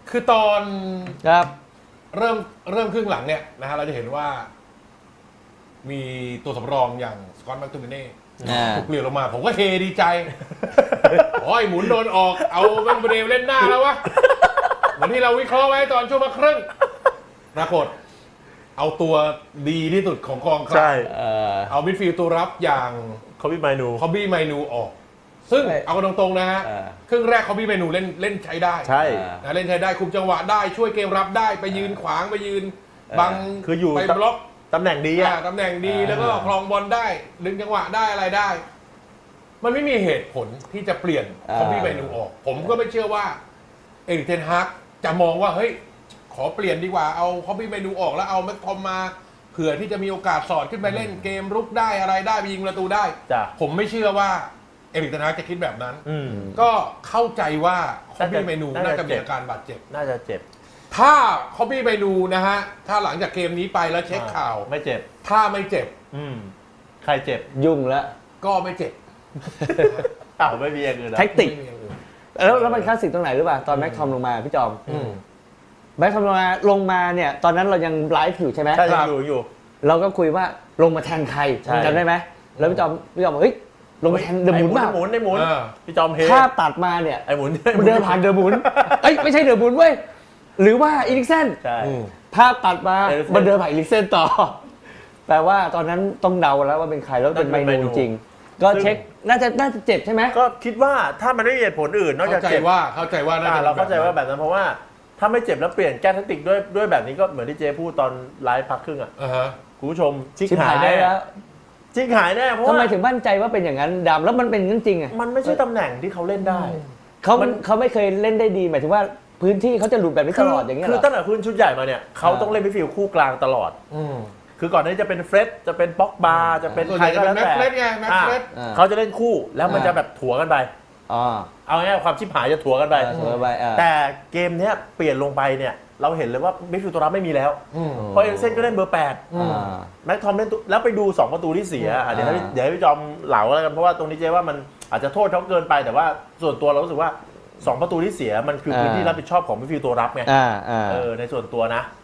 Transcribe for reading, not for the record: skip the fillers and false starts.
คือตอนครับเริ่มครึ่งหลังเนี่ยนะฮะเราจะเห็นว่า มีตัวสำรองอย่างสกอตต์แม็กโทมิเน่ถูกเปลี่ยนลงมา ผมก็เฮดีใจ โอ้ยหมุนโดนออกเอาแม็กเบรเล่นหน้าแล้ววะเหมือนที่เราวิเคราะห์ไว้ตอนช่วงมาครึ่งปรากฏเอาตัวดีที่สุดของกองกลางเอามิดฟิลด์ตัวรับอย่างคอบบี้ไมนูออก ซึ่งใช่เอากันตรงๆนะฮะครึ่งแรกคอบบี้ไมนูเล่นใช้ได้ใช่นะเล่นใช้ได้คุมจังหวะได้ช่วยเกมรับได้ไปยืนขวางไปยืนบังคืออยู่ไปบล็อกตำแหน่งดีอะตำแหน่งดีแล้วก็ครองบอลได้ดึงจังหวะได้อะไรได้ มันไม่มีเหตุผลที่จะเปลี่ยนคอบบี้ไมนูออก ผมก็ไม่เชื่อว่าเอริกเทนฮากจะมองว่าเฮ้ยขอเปลี่ยนดีกว่าเอาคอบบี้ไมนูออกแล้วเอาแม็กทอมมาเผื่อที่จะมีโอกาสสอดขึ้นไปเล่นเกมรุกได้อะไรได้ไปยิงประตูได้จ้ะผมไม่เชื่อว่าเอริกเทนฮากจะคิดแบบนั้นอืมก็เข้าใจว่าคอบบี้ไมนูน่าจะน่าจะมีอาการบาดเจ็บน่าจะเจ็บถ้าคอบบี้ไมนูนะฮะถ้าหลังจากเกมนี้ไปแล้วเช็คข่าวไม่เจ็บถ้าไม่เจ็บใครเจ็บยุ่งแล้วก็ไม่เจ็บอ้าวไม่มีอย่างอื่นนะแท็กติกไม่มีอย่างอื่นแล้วมันคลาสสิกตรงไหนหรือเปล่าตอนแม็กทอมลงมาพี่จอมแม็กทอมลงมาเนี่ยตอนนั้นเรายังไลฟ์อยู่ใช่ไหมใช่ยังอยู่เราก็คุยว่าลงมาแทนใครใช่จำได้ไหมแล้วพี่จอมบอกเฮ้ยลงมาแทนเดอะหมุนเปล่าไอ้หมุนพี่จอมเฮภาพตัดมาเนี่ยไอ้หมุนมันเดินผ่านเดอะหมุนเอ้ยไม่ใช่เดอะหมุนเว้ยหรือว่าอีลิกเซนใช่ภาพตัดมาเอลิกเซ่นมันเดินผ่านอีลิกเซนต่อแปลว่าตอนนั้นต้องเดาแล้วว่าเป็นใครแล้วเป็นไมนูจริงก็เช็คน่าจะเจ็บใช่ไหมก็คิดว่าถ้ามันไม่มีเหตุผลอื่นนอกจากเข้าใจเจ็บว่าน่าจะเราเข้าใจว่าแบบนั้นเพราะว่าถ้าไม่เจ็บแล้วเปลี่ยนแก้แทคติกด้วยแบบนี้ก็เหมือนที่เจพูดตอนไลฟ์พักครึ่งอ่ะอ่าฮะคุณผู้ชมชิกชิบหาหาย ยแน่แล้วชิกหายแน่เพราะทำไมว่าถึงมั่นใจว่าเป็นอย่างนั้นดำแล้วมันเป็นอย่างนั้นจริงอ่ะมันไม่ใช่ตำแหน่งที่เขาเล่นได้เขาไม่เคยเล่นได้ดีหมายถึงว่าพื้นที่เขาจะหลุดแบบนี้ตลอดอย่างเงี้ยคืเหอรอตั้งแต่ขึ้นชุดใหญ่มาเนี่ยเขาต้องเล่นมิดฟิลด์คู่กลางตลอด คือก่อนหน้านี้จะเป็นเฟร็ดจะเป็นป็อกบาจะเป็นส่วนใคใหรญ่ก็จะเป็นแล้วแม็กแต่เฟรดไงแม็กเฟรดเขาจะเล่นคู่แล้วมันจะแบบถัวกันไปอ๋อเอาง่ายๆความชิบหายจะถัวกันไปเสมอไปแต่เกมเนี้ยเปลี่ยนลงไปเนี่ยเราเห็นเลยว่ามิดฟิลด์ตัวรับไม่มีแล้วเพราะเอลิกเซนก็เล่นเบอร์ 8แม็กทอมเล่นแล้วไปดู 2 ประตูที่เสียเดี๋ยวให้พี่จอมเหลาแล้วกันเพราะว่าตรงนี้เจ๊ว่ามันอาจจะโทษเขาเกินไปแต่ว่าส่วนตัวเรารู้สึกว่า 2 ประตูที่เสียมันคือพื้นที่รับผิดชอบของมิดฟิลด์ตัวรับไงในส่วนตัวนะ